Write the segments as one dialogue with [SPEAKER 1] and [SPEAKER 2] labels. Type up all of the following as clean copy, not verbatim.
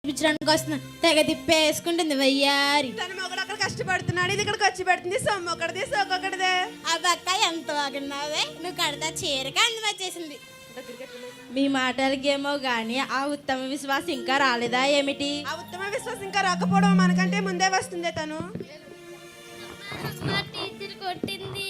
[SPEAKER 1] చూపించడానికి వస్తున్నా తెగ తిప్పేసుకుంటుంది వయ్యారి.
[SPEAKER 2] తన మొగడు అక్కడ కష్టపడుతున్నాడు, ఇది ఇక్కడికి వచ్చి పెడుతుంది. సొమ్ము ఒకటిదే సోకొకటిదే.
[SPEAKER 1] అబ్బక్క ఎంత బాగున్నావే, నువ్వు కడతా చీరగా అందం వచ్చేసింది.
[SPEAKER 3] మీ మాటలకేమో గాని ఆ ఉత్తమ విశ్వాసం ఇంకా రాలేదా ఏమిటి?
[SPEAKER 2] ఆ ఉత్తమ విశ్వాసం ఇంకా రాకపోవడం మనకంటే ముందే వస్తుందే తను.
[SPEAKER 4] అమ్మ టీచర్ కొట్టింది,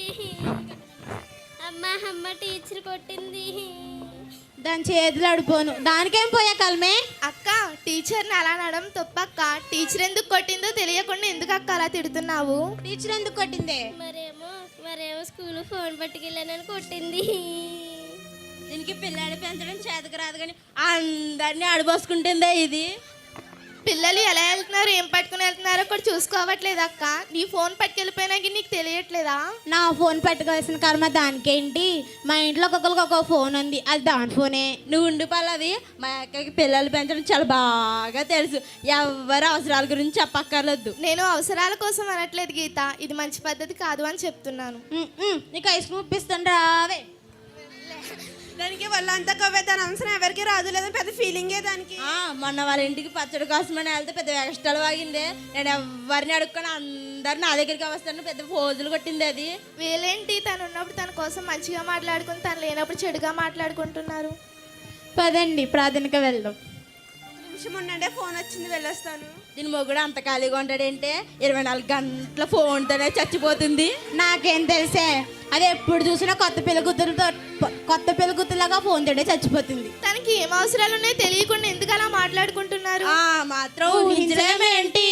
[SPEAKER 4] అమ్మ టీచర్ కొట్టింది.
[SPEAKER 1] దాని చేతులు అడిపోను, దానికేం పోయా కలమే.
[SPEAKER 5] అక్క టీచర్ని అలా అనడం తప్పక్క. టీచర్ ఎందుకు కొట్టిందో తెలియకుండా ఎందుకు అక్క అలా తిడుతున్నావు?
[SPEAKER 1] టీచర్ ఎందుకు కొట్టిందే?
[SPEAKER 4] మరేమో స్కూల్ ఫోన్ పట్టుకెళ్ళానని కొట్టింది.
[SPEAKER 3] దీనికి పిల్లాడి పెంచడం చేతకు రాదు కానీ అందరినీ అడిపోసుకుంటుందే ఇది.
[SPEAKER 5] పిల్లలు ఎలా వెళ్తున్నారు, ఏం పట్టుకుని వెళ్తున్నారో కూడా చూసుకోవట్లేదు అక్క. నీ ఫోన్ పట్టుకెళ్ళిపోయినాకి నీకు తెలియట్లేదా?
[SPEAKER 1] నా ఫోన్ పట్టుకోవాల్సిన కర్మ దానికేంటి? మా ఇంట్లో ఒక్కొక్కరికి ఒక్కొక్క ఫోన్ ఉంది, అది దాని ఫోనే.
[SPEAKER 3] నువ్వు ఉండి పల్లవి, మా అక్కకి పిల్లలు పెంచడం చాలా బాగా తెలుసు. ఎవరి అవసరాల గురించి చెప్పక్కర్లేదు.
[SPEAKER 5] నేను అవసరాల కోసం అనట్లేదు గీత, ఇది మంచి పద్ధతి కాదు అని చెప్తున్నాను.
[SPEAKER 1] నీకు ఐస్ క్రీమ్ ఇప్పిస్తాను రావే.
[SPEAKER 2] దానికి వాళ్ళంతా కవ్వే, దాని అవసరం ఎవరికి రాదు, లేదా పెద్ద ఫీలింగే దానికి.
[SPEAKER 3] మొన్న వాళ్ళ ఇంటికి పచ్చడి కోసమని వెళ్తే పెద్ద ఎక్స్ట్రాలు వాగిందే. నేను ఎవరిని అడుక్కొని అందరు నా దగ్గరికి వస్తాను, పెద్ద పోజులు కొట్టింది అది.
[SPEAKER 5] వీళ్ళేంటి తను ఉన్నప్పుడు తన కోసం మంచిగా మాట్లాడుకుని తను లేనప్పుడు చెడుగా మాట్లాడుకుంటున్నారు.
[SPEAKER 1] పదండి ప్రార్థనకి వెళ్దాం.
[SPEAKER 2] నిమిషం ఉండండి, ఫోన్ వచ్చింది, వెళ్ళొస్తాను.
[SPEAKER 3] దీని మొగుడు అంత ఖాళీగా ఉంటాడంటే 24 గంటల ఫోన్తోనే చచ్చిపోతుంది.
[SPEAKER 1] నాకేం తెలిసే, అది ఎప్పుడు చూసినా కొత్త పెళ్ళికూతురులాగా ఫోన్ తోడే చచ్చిపోతుంది.
[SPEAKER 5] తనకి ఏం అవసరాలు ఉన్నాయో తెలియకుండా ఎందుకు అలా మాట్లాడుకుంటున్నారు?
[SPEAKER 3] మాత్రం ఊహించలేమేంటి?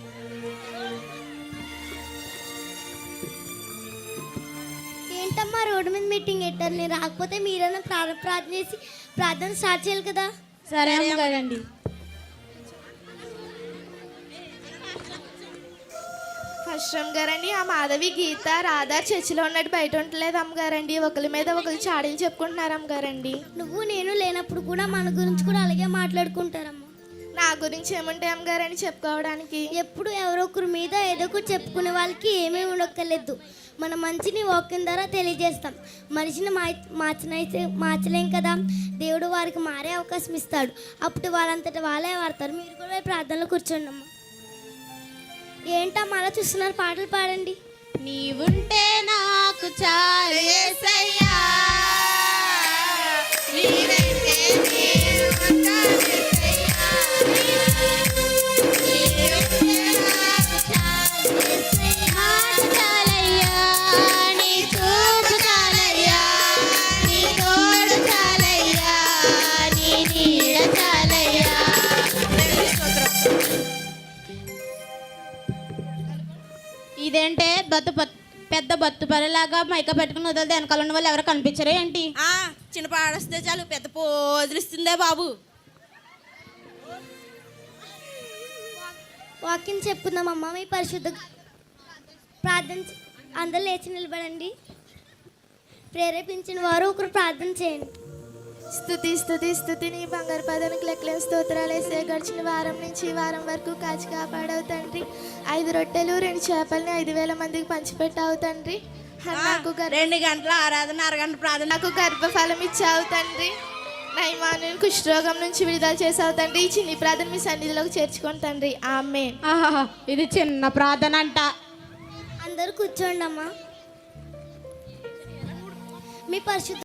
[SPEAKER 4] ఏంటమ్మా రోడ్డు మీద మీటింగ్ పెట్టారు, నేను రాకపోతే మీరైనా ప్రార్థన చేసి ప్రార్థన స్టార్ట్ చేయాలి కదా.
[SPEAKER 1] సరే అమ్మగారండి.
[SPEAKER 5] ఫస్ట్ అమ్మగారండి, ఆ మాధవి గీత రాధా చర్చిలో ఉన్నట్టు బయట ఉండలేదు అమ్మగారండి. ఒకరి మీద ఒకరు చాడీలు చెప్పుకుంటున్నారు అమ్మగారండి.
[SPEAKER 4] నువ్వు నేను లేనప్పుడు కూడా మన గురించి కూడా అలాగే మాట్లాడుకుంటారమ్మా.
[SPEAKER 5] నా గురించి ఏముంటాయి అమ్మగారని చెప్పుకోవడానికి?
[SPEAKER 4] ఎప్పుడు ఎవరో ఒకరి మీద ఏదో ఒకటి చెప్పుకునే వాళ్ళకి ఏమీ ఉండక్కర్లేదు. మన మంచిని వాక్యం ద్వారా తెలియజేస్తాం. మనిషిని మార్చలేం కదా, దేవుడు వారికి మారే అవకాశం ఇస్తాడు. అప్పుడు వాళ్ళంతటా వాళ్ళే వాడతారు. మీరు కూడా ప్రార్థనలో కూర్చోండి అమ్మా. ఏంటమ్మా అలా చూస్తున్నారు, పాటలు పాడండి.
[SPEAKER 1] నీవుంటే నాకు చాలు యేసయ్యా, నీవెంటే నేను ఉంటాను యేసయ్యా, నీవెంటే నాకు చాలు యేసయ్యా, చాలయ్యా, నీ చూపు చాలయ్యా, నీ తోడు చాలయ్యా, నీ నీడ చాలయ్యా. ఇదేంటే పెద్ద బత్తు పనిలాగా మైక పెట్టుకుని వదిలితే వెనకాల ఉన్న వాళ్ళు ఎవరు కనిపించరే ఏంటి?
[SPEAKER 3] చిన్న పాడొస్తే చాలు పెద్ద పోజులు ఇస్తుందే బాబు.
[SPEAKER 4] వాక్యం చెప్పుకుందామమ్మా. మీ పరిశుద్ధ ప్రార్థన అందరూ లేచి నిలబడండి. ప్రేరేపించిన వారు ఒకరు ప్రార్థన చేయండి.
[SPEAKER 5] స్తుతి స్తుతి స్తుతి నీ బంగారు పదానికి లెక్కలేని స్తోత్రాలు వేసే. గడిచిన వారం నుంచి ఈ వారం వరకు కాచి కాపాడవు తండ్రి. 5 రొట్టెలు 2 చేపల్ని 5,000 మందికి పంచిపెట్టావు తండ్రి. నాకు
[SPEAKER 3] 2 గంటల ఆరాధన, అరగంట ప్రార్థన.
[SPEAKER 5] నాకు గర్భఫలం ఇచ్చావు తండ్రి. నయమాను కుష్ఠరోగం నుంచి విడుదల చేసావు తండ్రి. ఈ చిన్ని ప్రార్థన మీ సన్నిధిలోకి చేర్చుకోండి తండ్రి. ఆమేన్.
[SPEAKER 1] ఇది చిన్న ప్రార్థన అంట.
[SPEAKER 4] అందరూ కూర్చోండి అమ్మా. మీ పరిశుద్ధ